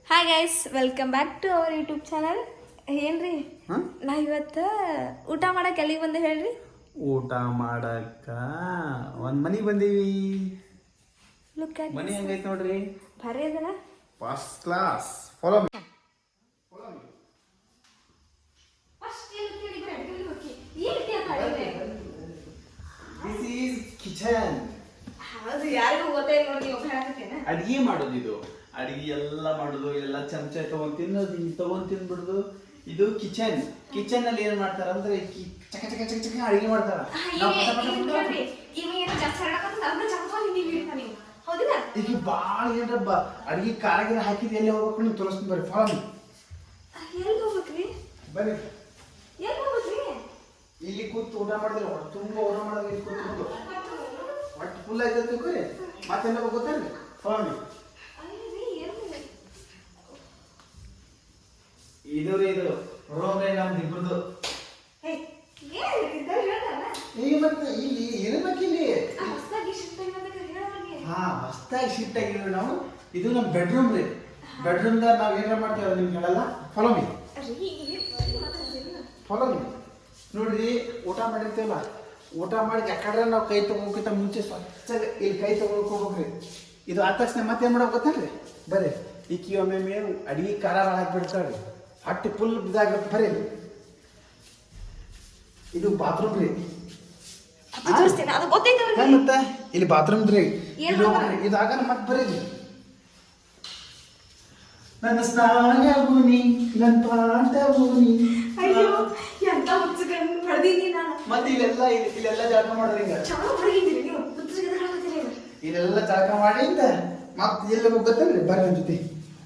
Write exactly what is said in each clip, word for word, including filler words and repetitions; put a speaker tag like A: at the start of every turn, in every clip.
A: Hi guys, welcome back to our YouTube channel. ಏನ್ರಿ ನಾ ಇವತ್ತು ಊಟ ಮಾಡಕ್ಕೆ ಎಲ್ಲಿಗೆ ಬಂದೆ ಹೇಳ್ರಿ?
B: ಊಟ ಮಾಡಕ್ಕ ಒಂದ್ ಮನಿಗೆ ಬಂದೀವಿ.
A: ಲುಕ್ ಅಟ್
B: ಮನಿ ಹೆಂಗೈತೆ ನೋಡ್ರಿ,
A: ಭಾರಿ ಅದಲ್ಲ,
B: first class. Follow me. This is kitchen.
A: ಯಾರಿಗೂ ಗೊತ್ತೇ ನೋಡಿ
B: ಅಡಿಗೆ ಮಾಡೋದು ಇದು. ಅಡಿಗೆ ಎಲ್ಲ ಮಾಡೋದು, ಎಲ್ಲ ಚಮಚ ತಗೊಂಡ್ ತಿನ್ನೋದು, ಹಿಂಗ್ ತಗೊಂಡ್ ತಿನ್ಬಿಡುದು. ಇದು ಕಿಚನ್. ಕಿಚನ್ ಅಲ್ಲಿ ಏನ್ ಮಾಡ್ತಾರ ಅಂದ್ರೆ ಚಕ ಚಕ ಚಕ ಚಕ ಅಡಿಗೆ ಮಾಡ್ತಾರ. ಈಗ ಬಾಳ ಏನ್ರಬ್ಬ ಅಡಿಗೆ ಕಾರಾಗಿರ ಹಾಕಿದ್ ಎಲ್ಲಿ ಹೋಗ್ಬೇಕು ನೀವು ತೋರಿಸ್ತೀನಿ ಬರ್ರಿ. Follow me. ಬರ್ರಿ, ಇಲ್ಲಿ ಕೂತು ಊಟ ಮಾಡಿದ್ರೆ ಹೊಟ್ಟೆ ತುಂಬಾ ಊಟ ಮಾಡೋದು. ಇಲ್ಲಿ ಕೂತ್ಕೊಂಡು ಹೊಟ್ಟೆ ಫುಲ್ ಆಯ್ತು ತಿಳ್ಕೊರಿ. ಮತ್ತೆಲ್ಲ ಗೊತ್ತೇನ್ರಿ? Follow me. ಇದು ರೀ, ಇದು ರೂಮ್ ರೀ ನಮ್ದು ಇಬ್ಬರದು. ಈಗ ಮತ್ತೆ ಇಲ್ಲಿ ಇರ್ಬೇಕು ಇಲ್ಲಿ. ಹಾ, ಹೊಸದಾಗಿ ಶಿಫ್ಟ್ ಆಗಿದ್ವಿ ನಾವು. ಇದು ನಮ್ಮ ಬೆಡ್ರೂಮ್ ರೀ. ಬೆಡ್ರೂಮ್ ದಾಗ ನಾವ್ ಏನಾರ ಮಾಡ್ತೇವೆ ನಿಮ್ಗೆ ಹೇಳಲ್ಲ. Follow me. Follow me. ನೋಡ್ರಿ, ಊಟ ಮಾಡಿರ್ತೇವಲ್ಲ, ಊಟ ಮಾಡಿ ಯಾಕಂದ್ರೆ ನಾವು ಕೈ ತಗೋಕ್ಕಿಂತ ಮುಂಚೆ ಸ್ವಚ್ಛ ಇಲ್ಲಿ ಕೈ ತಗೊಳ್ಕೋಬೇಕ್ರಿ. ಇದು ಆದ ತಕ್ಷಣ ಮತ್ತೇನ್ ಮಾಡೋಕೆ ಗೊತ್ತೇನ್ರಿ? ಬರ್ರಿ, ಈಕಿ ಒಮ್ಮೆ ಮೇವು ಅಡಿಗೆ ಖಾರ ಹಾಕ್ಬಿಡ್ತಾಳ್ರಿ, ಹೊಟ್ಟೆ ಫುಲ್ ಇದಾಗಿರುತ್ತೆ. ಬರ್ರಿ, ಇದು ಬಾತ್ರೂಮ್ ರೀ. ಮತ್ತೆ ಇಲ್ಲಿ ಬಾತ್ರೂಮ್ ರೀ. ಇದಾಗ ಮತ್ತೆ ಬರೀ ನನ್ನ ಸ್ನಾನವೂನಿ ನನ್ನ ಪಾಠವೂನಿ. ಮತ್ತೆ ಇಲ್ಲೆಲ್ಲ ಇಲ್ಲೆಲ್ಲ ಜಳಕ ಮಾಡೋದು. ಹಿಂಗ ಇಲ್ಲೆಲ್ಲ ಜಳಕ ಮಾಡಿ ಮತ್ತೆ ಎಲ್ಲಿ ಗೊತ್ತೇನ್ರಿ? ಬರ್ರಿ ನನ್ನ ಜೊತೆ.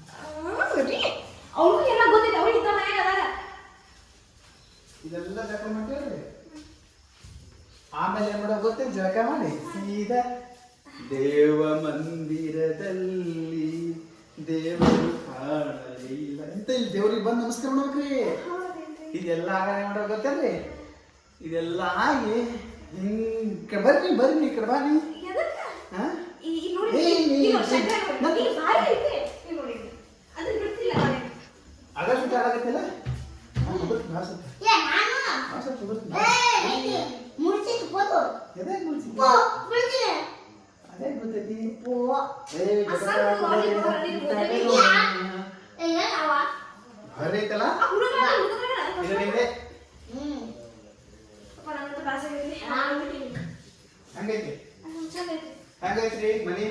B: ಇದೆಲ್ಲ ಜಳಕ ಮಾಡ್ತೇವ್ರಿ. ಆಮೇಲೆ ಏನ್ ಮಾಡೋದು ಗೊತ್ತೇನು? ಜಳಕ ಮಾಡಿ ಸೀದಾ ದೇವ ಮಂದಿರದಲ್ಲಿ ದೇವರು ಕಾಣಲಿಲ್ಲ ಅಂತ ಇಲ್ಲಿ ದೇವ್ರಿಗೆ ಬಂದು ನಮಸ್ಕಾರ ಮಾಡ್ಬೇಕ್ರಿ. ಇದೆಲ್ಲ ಆಗ ಮಾಡೋದು ಗೊತ್ತೇನ್ರಿ? ಇದೆಲ್ಲ ಆಗಿ ಹಿಂಗ್ ಬರ್ರಿ ಬರ್ರಿ ಈ ಕಡೆ ಬಾ ನೀ. ಆಗಸ್ಟ್ ಆಗತ್ತಿಲ್ಲ ಅದೇ ಗೊತ್ತೈತಿ. ಹರೈತಲ್ಲ ಹಂಗೈತಿ. ಹಂಗೈತ್ರಿ ಮನಿ.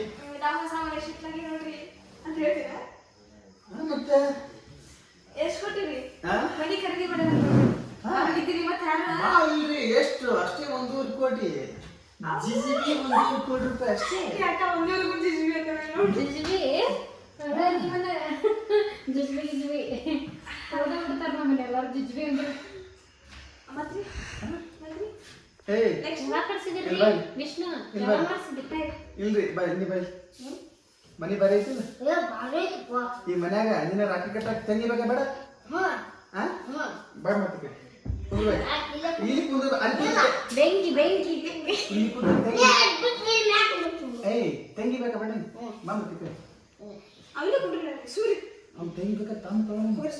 B: ಮತ್ತೆ
A: ಎಷ್ಟು ಕೊಟ್ಟಿರಿ?
B: ಇಲ್ರಿ, ಎಷ್ಟು ಅಷ್ಟೇ ಒಂದೂವರೆ ಕೋಟಿ. ಜಿಜಿಬಿ ಒಂದೂವರೆ ಕೋಟಿ ರೂಪಾಯಿ ಅಷ್ಟೇ. ಇಲ್ರಿ ಬೈ ನೀ ಬೈ ಮನಿ ಬರೀ ಐತಿಲ್ಲ ಈ ಮನ್ಯಾಗ. ನಿನ್ನ ರಾಖಿ ಕಟ್ಟಾಕ ತಂಗಿ ಬೇಕಾ ಬೇಡ? ಬಾ ಮತ್ತೆ ಇಲ್ಲಿ ಕುಂದ್ರ ಏಯ್ ತಂಗಿ ಬೇಕಾ ಬೇಡ? ಬಾ ಮತ್ತೆ ಅವ್ನು ತಂಗಿ ಬೇಕಾ? ತಮ್ಮ ತಗೊಂಡು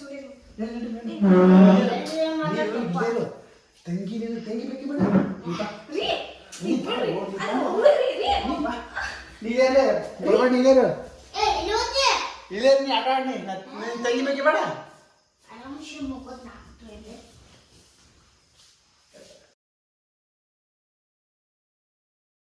B: ತಂಗಿ ತಂಗಿ ಬೇಕಿ ಬೇಡ? ನೀರೇ ಬರಬೇಡ, ನೀರು ಇಲ್ಲೇ ನೀ ಆಟ ಆಡಿ. ತಂಗಿ ಬೇಕಿ ಬೇಡ?